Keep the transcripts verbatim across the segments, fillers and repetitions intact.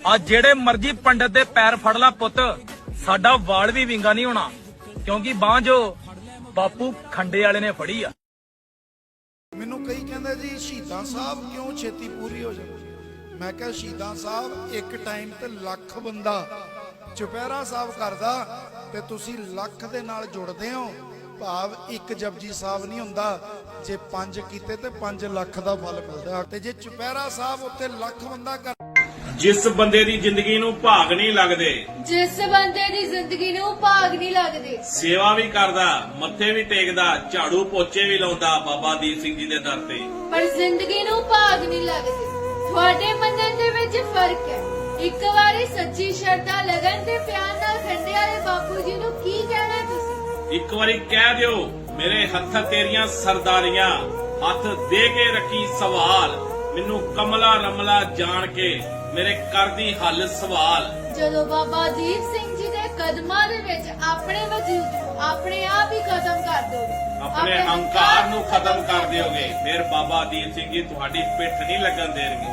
ਆ ਜਿਹੜੇ ਮਰਜੀ ਪੰਡਤ ਦੇ ਪੈਰ ਫੜ ਲਾ ਪੁੱਤ, ਸਾਡਾ ਵਾਲ ਵੀ ਵਿੰਗਾ ਨਹੀਂ ਹੋਣਾ, ਕਿਉਂਕਿ ਬਾਂਹ ਜੋ ਬਾਪੂ ਖੰਡੇ ਵਾਲੇ ਨੇ ਫੜੀ ਆ। ਮੈਨੂੰ ਕਈ ਕਹਿੰਦੇ ਜੀ ਸ਼ਹੀਦਾਂ ਸਾਹਿਬ ਕਿਉਂ ਛੇਤੀ ਪੂਰੀ ਹੋ ਜਾਂਦੀ? ਮੈਂ ਕਿਹਾ ਸ਼ਹੀਦਾਂ ਸਾਹਿਬ ਇੱਕ ਟਾਈਮ ਤੇ ਲੱਖ ਬੰਦਾ ਚੁਪਹਿਰਾ ਸਾਹਿਬ ਕਰਦਾ ਤੇ ਤੁਸੀਂ ਲੱਖ ਦੇ ਨਾਲ ਜੁੜਦੇ ਹੋ, ਭਾਵ ਇੱਕ ਜਪਜੀ ਸਾਹਿਬ ਨਹੀਂ ਹੁੰਦਾ, ਜੇ ਪੰਜ ਕੀਤੇ ਤੇ ਪੰਜ ਲੱਖ ਦਾ ਫਲ ਮਿਲਦਾ। ਤੇ ਜੇ ਚੁਪਹਿਰਾ ਸਾਹਿਬ ਉੱਤੇ ਲੱਖ ਬੰਦਾ ਕਰ, ਜਿਸ ਬੰਦੇ ਦੀ ਜ਼ਿੰਦਗੀ ਨੂੰ ਭਾਗ ਨਹੀਂ ਲੱਗਦੇ, ਜਿਸ ਬੰਦੇ ਦੀ ਜ਼ਿੰਦਗੀ ਨੂੰ ਭਾਗ ਨਹੀਂ ਲੱਗਦੇ, ਸੇਵਾ ਵੀ ਕਰਦਾ, ਮੱਥੇ ਵੀ ਟੇਕਦਾ, ਝਾੜੂ ਪੋਚੇ ਵੀ ਲਾਉਂਦਾ ਬਾਬਾ ਦੀਪ ਸਿੰਘ ਜੀ ਦੇ ਦਰ ਤੇ, ਪਰ ਜ਼ਿੰਦਗੀ ਨੂੰ ਭਾਗ ਨਹੀਂ ਲੱਗਦੇ। ਤੁਹਾਡੇ ਮੰਨਣ ਦੇ ਵਿੱਚ ਫਰਕ ਹੈ। ਇੱਕ ਵਾਰੀ ਸੱਚੀ ਸ਼ਰਧਾ ਲਗਨ ਤੇ ਪਿਆਰ ਨਾਲ ਖੰਡੇ ਵਾਲੇ ਬਾਪੂ ਜੀ ਨੂੰ ਕੀ ਕਹਿਣਾ ਤੁਸੀਂ? ਇੱਕ ਵਾਰੀ ਕਹਿ ਦਿਓ, ਮੇਰੇ ਹੱਥ ਤੇਰੀਆਂ ਸਰਦਾਰੀਆਂ, ਹੱਥ ਦੇ ਕੇ ਰੱਖੀ ਸਵਾਲ, ਮੈਨੂੰ ਕਮਲਾ ਰਮਲਾ ਜਾਣ ਕੇ ਮੇਰੇ ਕਰਦੀ ਹੱਲ ਸਵਾਲ। ਜਦੋਂ ਬਾਬਾ ਦੀਪ ਸਿੰਘ ਜੀ ਦੇ ਕਦਮਾਂ ਦੇ ਵਿੱਚ ਆਪਣੇ ਵਜੂਦ ਨੂੰ ਆਪਣੇ ਆਪ ਹੀ ਖਤਮ ਕਰ ਦੋਗੇ, ਆਪਣੇ ਹੰਕਾਰ ਨੂੰ ਖਤਮ ਕਰ ਦਿਓਗੇ, ਫਿਰ ਬਾਬਾ ਦੀਪ ਸਿੰਘ ਜੀ ਤੁਹਾਡੀ ਪਿੱਠ ਨਹੀਂ ਲੱਗਣ ਦੇਣਗੇ।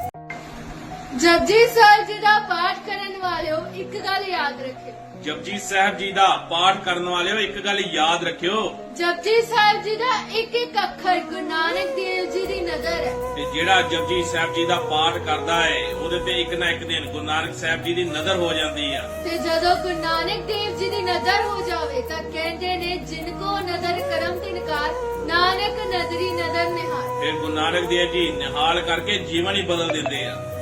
ਜਪਜੀ ਸਾਹਿਬ ਜੀ ਦਾ ਪਾਠ ਕਰਨ ਵਾਲਿਓ ਇੱਕ ਗੱਲ ਯਾਦ ਰੱਖਿਓ, ਜਪਜੀ ਸਾਹਿਬ ਜੀ ਦਾ ਪਾਠ ਕਰਨ ਵਾਲਿਓ ਇੱਕ ਗੱਲ ਯਾਦ ਰੱਖਿਓ, ਜਪਜੀ ਸਾਹਿਬ ਜੀ ਦਾ ਇੱਕ ਇੱਕ ਅੱਖਰ ਗੁਰੂ ਨਾਨਕ ਦੇਵ ਜੀ ਦੀ ਨਜ਼ਰ ਹੈ। ਤੇ ਜਿਹੜਾ ਜਪਜੀ ਸਾਹਿਬ ਜੀ ਦਾ ਪਾਠ ਕਰਦਾ ਹੈ ਉਹਦੇ ਤੇ ਇੱਕ ਨਾ ਇੱਕ ਦਿਨ ਗੁਰੂ ਨਾਨਕ ਸਾਹਿਬ ਜੀ ਦੀ ਨਜ਼ਰ ਹੋ ਜਾਂਦੀ ਆ। ਤੇ ਜਦੋਂ ਗੁਰੂ ਨਾਨਕ ਦੇਵ ਜੀ ਦੀ ਨਜ਼ਰ ਹੋ ਜਾਵੇ ਤਾਂ ਕਹਿੰਦੇ ਨੇ ਜਿਨ ਕੋ ਨਜ਼ਰ ਕਰਮ ਤਿਨਕਾਰ, ਨਾਨਕ ਨਜ਼ਰੀ ਨਜ਼ਰ ਨਿਹਾਲ। ਫਿਰ ਗੁਰੂ ਨਾਨਕ ਦੇਵ ਜੀ ਨਿਹਾਲ ਕਰਕੇ ਜੀਵਨ ਹੀ ਬਦਲ ਦਿੰਦੇ ਆ।